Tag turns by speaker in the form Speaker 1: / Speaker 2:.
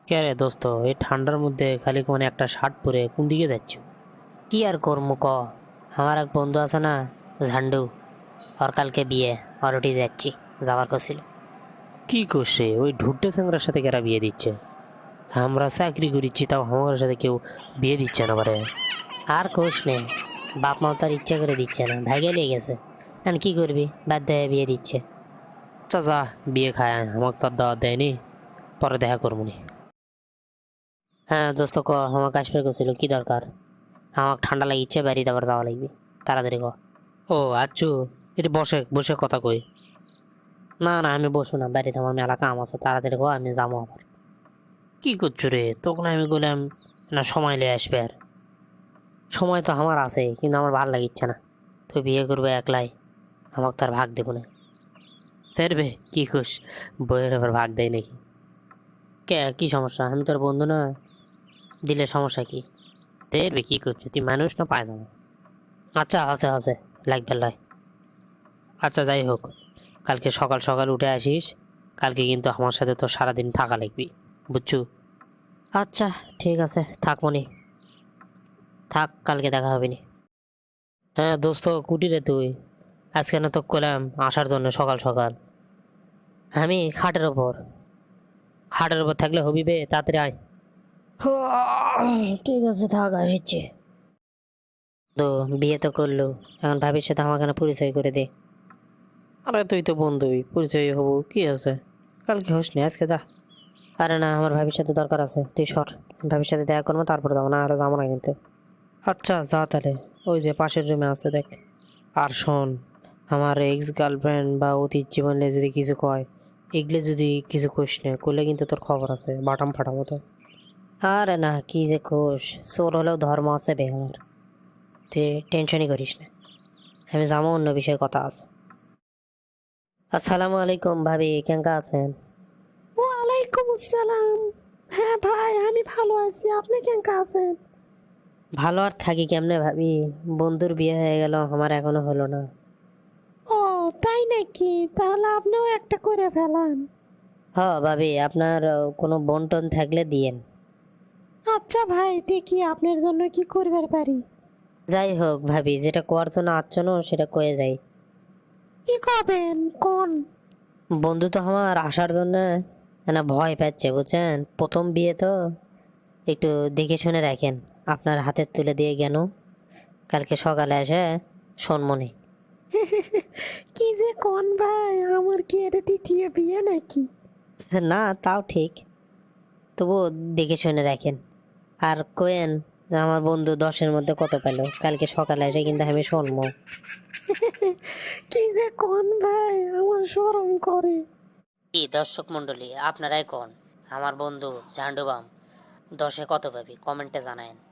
Speaker 1: কে রে দোস্ত, এই ঠান্ডার মধ্যে খালি কোন একটা শার্ট পরে কোন দিকে যাচ্ছ?
Speaker 2: কি আর করবো ক। আমার এক বন্ধু আছে না, ঝান্ডু, ওর কালকে বিয়ে, ওর উঠে যাচ্ছি, যাওয়ার করছিল।
Speaker 1: কি করছে ওই ঢুড্ডে স্যাংরার সাথে কেরা বিয়ে দিচ্ছে? আমরা চাকরি করিচ্ছি, তাও আমার সাথে কেউ বিয়ে দিচ্ছে না পারে।
Speaker 2: আর কোষ নে, বাপ মাও তার ইচ্ছা করে দিচ্ছে না, ভাইগে লেগে গেছে। এখন কি করবি, বাধ্য হয়ে বিয়ে দিচ্ছে।
Speaker 1: চাচা, বিয়ে খায় আয়, আমাকে তো আর দাওয়াত দেয়নি, পরে দেখা করবো নি।
Speaker 2: হ্যাঁ দোস্ত ক, আমাকে আসবে করছিল, কি দরকার? আমাকে ঠান্ডা লাগিচ্ছে, বাড়িতে আবার যাওয়া লাগবে, তাড়াতাড়ি ক।
Speaker 1: ও আচ্ছু, এটা বসে বসে কথা কই।
Speaker 2: না না, আমি বসবো না, বাড়িতে আমার মেলা কাম আছে, তাড়াতাড়ি ক, আমি যাবো আবার।
Speaker 1: কি করছো রে? তখন আমি বললাম না সময় নিয়ে আসবে। আর
Speaker 2: সময় তো আমার আছে, কিন্তু আমার ভালো লাগিচ্ছে না। তুই বিয়ে করবে একলাই, আমাকে তো আর ভাগ দেবো না।
Speaker 1: তেরবে কি খুশ, বইয়ের আবার ভাগ দেয় নাকি?
Speaker 2: কে, কি সমস্যা? আমি তোর বন্ধু না, দিলে সমস্যা কি?
Speaker 1: তেরবে কি করছো, তুই মানুষ না পায় না?
Speaker 2: আচ্ছা আছে আছে, লাগবে লয়।
Speaker 1: আচ্ছা যাই হোক, কালকে সকাল সকাল উঠে আসিস। কালকে কিন্তু আমার সাথে তো সারাদিন থাকা লাগবি, বুঝছো?
Speaker 2: আচ্ছা ঠিক আছে, থাকবনি, থাক, কালকে দেখা হবে নি।
Speaker 1: হ্যাঁ দোস্ত, কুটি রে তুই? আজকে না তো কলাম আসার জন্য সকাল সকাল।
Speaker 2: আমি খাটের ওপর।
Speaker 1: খাটের উপর থাকলে হবি বে, তাড়াতাড়ি আয়।
Speaker 2: ঠিক আছে থাক, আসছে। তো বিয়ে তো করলো, এখন ভাবির সাথে আমাকে না পরিচয় করে দে।
Speaker 1: আরে তুই তো বন্ধুই, পরিচয় হবো কি আছে, কালকে হোস নি, আজকে যা।
Speaker 2: আরে না, আমার ভাবির সাথে দরকার আছে, তুই সর। ভাবির সাথে দেখা করবো, তারপরে যাবো, না আর যাবো না কিন্তু।
Speaker 1: আচ্ছা যা তাহলে, ওই যে পাশের রুমে আছে দেখ। আর শোন, আমার এক্স গার্লফ্রেন্ড বা অতীত জীবনে যদি কিছু কয়, এগুলো যদি কিছু কইস না, করলে কিন্তু তোর খবর আছে, বাটাম ফাটাম মতো।
Speaker 2: আরে না, কি যে কোষ, চোর হলেও ধর্ম আছে বে আমার। তুই টেনশনই করিস না, আমি যাবো, অন্য বিষয়ে কথা আছে। আসসালামু আলাইকুম ভাবি, কেঙ্কা আছেন?
Speaker 3: ওয়ালাইকুম আসসালাম। হ্যাঁ ভাই, আমি ভালো আছি, আপনি কেমন আছেন?
Speaker 2: ভালো আর থাকি কেমনে ভাবি, বন্ধুর বিয়ে হয়ে গেল, আমার এখনো হলো না।
Speaker 3: ও তাই নাকি? তাহলে আপনিও একটা করে ফেলান।
Speaker 2: হ ভাবি, আপনার কোনো বোন টোন থাকলে দিয়েন।
Speaker 3: আচ্ছা ভাই, দেখি আপনার জন্য কি করবার পারি।
Speaker 2: যাই হোক ভাবি, যেটা কোয়ার জন্য আচ্ছন্ন সেটা কয়ে যাই।
Speaker 3: কি করবেন কোন?
Speaker 2: বন্ধু তো আমার আসার জন্য না ভয় পাচ্ছে, বুঝছেন, প্রথম বিয়ে তো, একটু দেখে শুনে রাখেন। আপনার হাতে তুলে দিয়ে গেল, কালকে সকালে এসে শোনমনি।
Speaker 3: কি যে কোন ভাই, আমার কি এটা দ্বিতীয় বিয়ে নাকি?
Speaker 2: না তাও ঠিক, তবুও দেখে শুনে রাখেন। আর কোয়েন যে আমার বন্ধু 10-এর মধ্যে কত পেল, কালকে সকালে এসে কিন্তু আমি শুনবো।
Speaker 3: কি যে কোন ভাই, আমার শরম করে।
Speaker 2: কি দর্শক মন্ডলী, আপনারাই কোন আমার বন্ধু ঝান্ডুবাম 10-এ কত পাবি, কমেন্টে জানায়েন।